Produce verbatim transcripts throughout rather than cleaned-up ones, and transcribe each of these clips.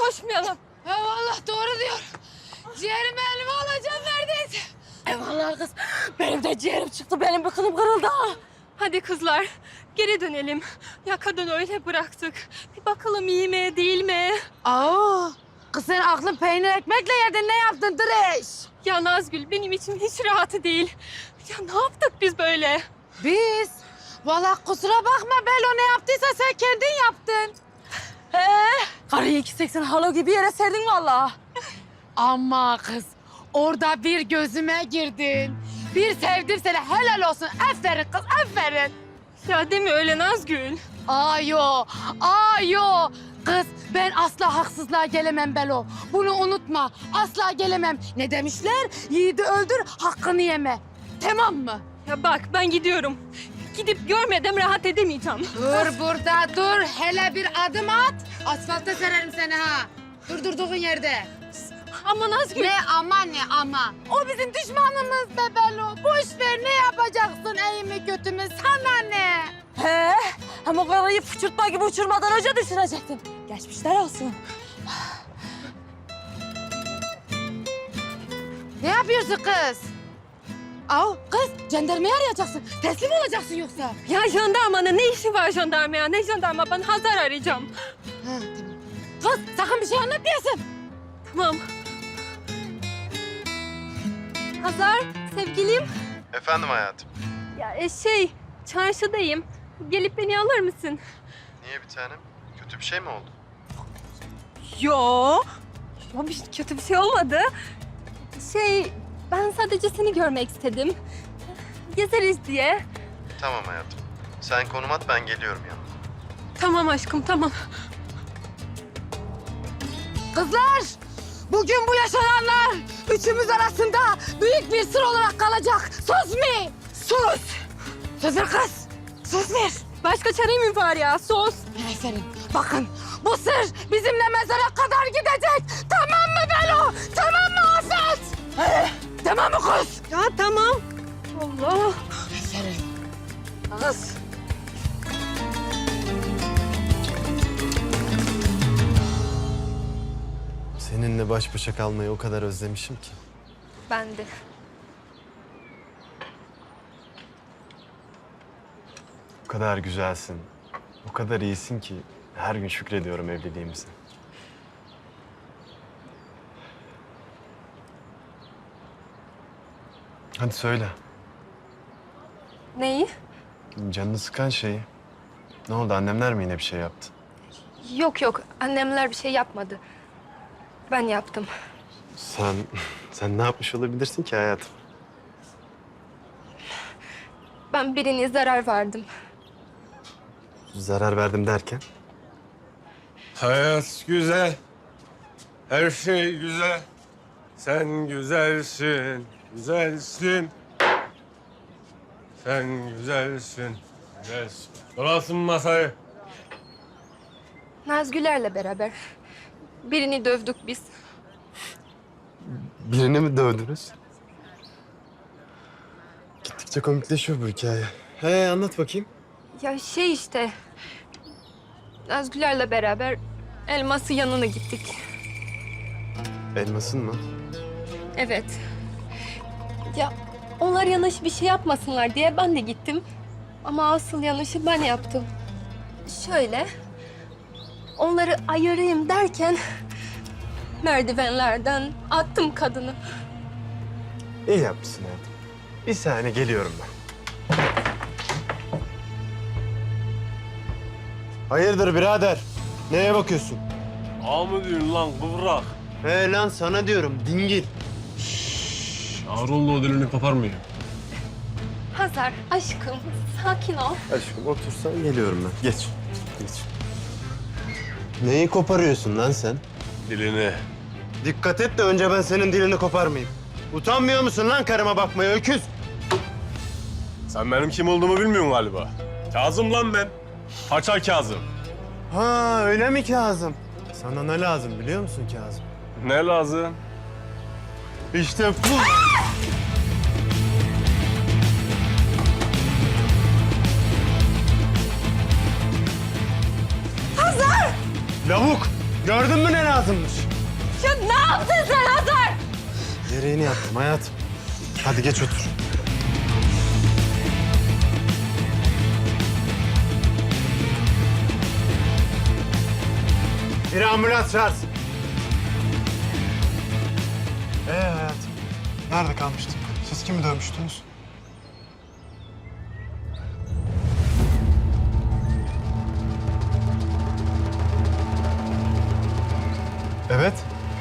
koşmayalım. Eyvallah doğru diyor. Ciğerimi elime alacağım neredeyse. Eyvallah kız. Benim de ciğerim çıktı. Benim bir kılım kırıldı ha. Hadi kızlar geri dönelim. Ya kadın öyle bıraktık. Bir bakalım iyi mi değil mi? Aa, kız sen aklın peynir ekmekle yedin, ne yaptın Direş? Ya Nazgül benim için hiç rahatı değil. Ya ne yaptık biz böyle? Biz? Vallahi kusura bakma Belo, ne yaptıysa sen kendin yaptın. He? Karıyı iki seksen halo gibi yere serdin vallahi. Ama kız orada bir gözüme girdin. Bir sevdim seni, helal olsun. Aferin kız, aferin. Ya deme öyle Nazgül. Ayo, ayo. Kız ben asla haksızlığa gelemem Belo. Bunu unutma, asla gelemem. Ne demişler? Yiğidi öldür, hakkını yeme. Tamam mı? Ya bak ben gidiyorum. Gidip görmeden rahat edemeyeceğim. Dur burada dur. Hele bir adım at. Asfalta sererim seni ha. Dur durduğun yerde. Ama Nazgül... Ne ama ne ama. O bizim düşmanımız be Belo. Boş ver, ne yapacaksın iyi mi kötü mü sana ne? He, hem o karıyı fıçırtma gibi uçurmadan önce düşürecektin. Geçmişler olsun. Ne yapıyorsun kız? Aa kız, jandarmayı arayacaksın. Teslim olacaksın yoksa. Ya jandarmanın ne işi var jandarmaya? Ne jandarma? Ben Hazar arayacağım. Ha, tamam. Kız sakın bir şey anlatmayasın. Tamam. Hazar, sevgilim. Efendim hayatım. Ya e, şey, çarşıdayım. Gelip beni alır mısın? Niye bir tanem? Kötü bir şey mi oldu? Yo. Yo, bir kötü bir şey olmadı. Şey, ben sadece seni görmek istedim. Gezeriz diye. Tamam hayatım. Sen konum at, ben geliyorum yanına. Tamam aşkım, tamam. Kızlar, bugün bu yaşananlar üçümüz arasında büyük bir sır olarak kalacak. Söz mü? Sus! Söz ver kız. Söz ver. Başka çare mi var ya? Sus! Aferin. Bakın, bu sır bizimle mezara kadar gidecek. Tamam mı Belo? Tamam mı Afet? Ee, tamam mı kız? Ya tamam. Allah! Aferin. Kız. Seninle baş başa kalmayı o kadar özlemişim ki. Ben de. O kadar güzelsin, o kadar iyisin ki her gün şükrediyorum evliliğimize. Hadi söyle, Neyi? canını sıkan şeyi. Ne oldu, annemler mi yine bir şey yaptı? Yok yok, annemler bir şey yapmadı. Ben yaptım. Sen, sen ne yapmış olabilirsin ki hayatım? Ben birine zarar verdim. Zarar verdim derken? Hayat güzel, her şey güzel. Sen güzelsin, güzelsin. Sen güzelsin, güzelsin. Dolasın masayı. Nazgüler'le beraber. Birini dövdük biz. Birini mi dövdünüz? Gittikçe komikleşiyor bu hikaye. He, anlat bakayım. Ya şey işte... Nazgüler'le beraber elması yanına gittik. Elmasın mı? Evet. Ya onlar yanlış bir şey yapmasınlar diye ben de gittim. Ama asıl yanlışı ben yaptım. Şöyle... Onları ayırayım derken... Merdivenlerden attım kadını. İyi yapmışsın hayatım. Bir saniye geliyorum ben. Hayırdır birader? Neye bakıyorsun? Ağa mı diyorsun lan kıvrak? He lan sana diyorum dingil. Ağır oldu, o dilini koparmayın. Hazar, aşkım, sakin ol. Aşkım otursan geliyorum ben. Geç. Geç. Neyi koparıyorsun lan sen? Dilini. Dikkat et de önce ben senin dilini koparmayayım. Utanmıyor musun lan karıma bakmaya öküz? Sen benim kim olduğumu bilmiyorsun galiba. Kazım lan ben. Paça Kazım. Ha öyle mi Kazım? Sana ne lazım biliyor musun Kazım? Ne lazım? İşte bu. Lavuk! Gördün mü ne lazımmış? Ya ne yaptın sen Hazar? Gereğini yaptım hayatım. Hadi geç otur. Bir ambulans çağırsın. Ee hayatım, nerede kalmıştık? Siz kimi dövmüştünüz? Evet.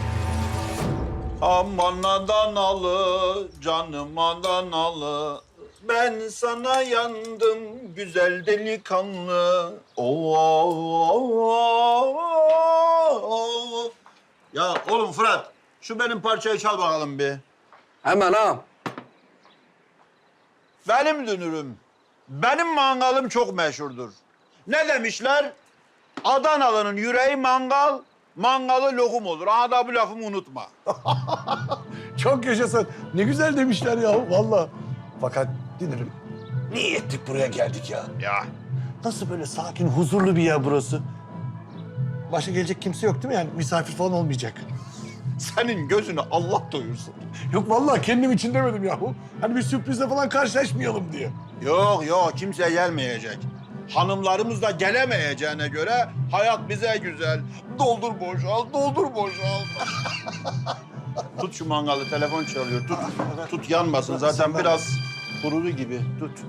Aman Adanalı, canım Adanalı. Ben sana yandım güzel delikanlı. Oo, oo, oo, oo. Ya oğlum Fırat, şu benim parçayı çal bakalım bir. Hemen ağam. Benim dünürüm, benim mangalım çok meşhurdur. Ne demişler? Adanalı'nın yüreği mangal, mangalı lokum olur. Aha da bu lafımı unutma. Çok yaşasın. Ne güzel demişler ya vallahi. Fakat Dünürüm, niye ettik buraya geldik ya? Ya Nasıl böyle sakin, huzurlu bir yer burası? Başka gelecek kimse yok değil mi? Yani misafir falan olmayacak. senin gözünü Allah doyursun. Yok vallahi kendim için demedim yahu. Hani bir sürprizle falan karşılaşmayalım diye. Yok yok kimse gelmeyecek. Hanımlarımız da gelemeyeceğine göre hayat bize güzel. Doldur boşal, doldur boşal. Tut şu mangalı, telefon çalıyor. Tut, tut yanmasın. Zaten biraz kurudu gibi. Tut.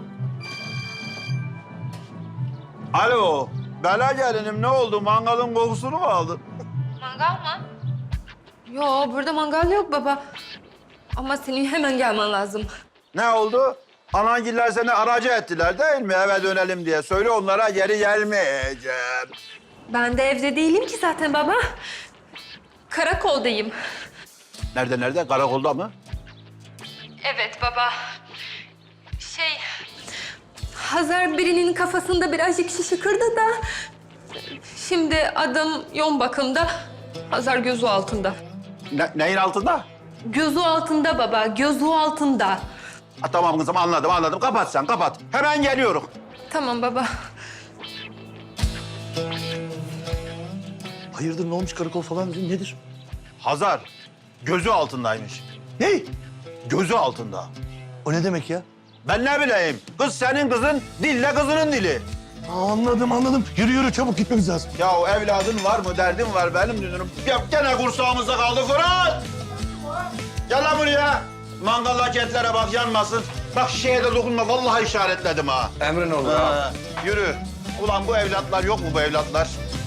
Alo, Bela gelinim ne oldu? Mangalın kokusunu mu aldın? Mangal mı? Yo, burada mangal yok baba. Ama senin hemen gelmen lazım. Ne oldu? Anangiller seni aracı ettiler değil mi? Eve dönelim diye. Söyle onlara geri gelmeyeceğim. Ben de evde değilim ki zaten baba. Karakoldayım. Nerede nerede? Karakolda mı? Evet baba. Şey... Hazar birinin kafasında birazcık şişi kırdı da... Şimdi adam yoğun bakımda. Hazar gözü altında. Ne, neyin altında? Gözü altında baba, gözü altında. Ha, tamam kızım anladım anladım. Kapat sen kapat. Hemen geliyorum. Tamam baba. Hayırdır ne olmuş karakol falan dedin, nedir? Hazar gözü altındaymış. Ne? Gözü altında. O ne demek ya? Ben ne bileyim. Kız senin kızın, dille kızının dili. Aa, anladım anladım. Yürü yürü çabuk gitmemiz lazım. Ya o evladın var mı, derdin var benim dünürüm. Ya gene kursağımızda kaldı Fırat. Gel lan buraya. Mangaldaki etlere bak yanmasın. Bak şişeye de dokunma. Vallahi işaretledim ha. Emrin olur ağam. Ha, yürü. Ulan bu evlatlar yok mu bu evlatlar?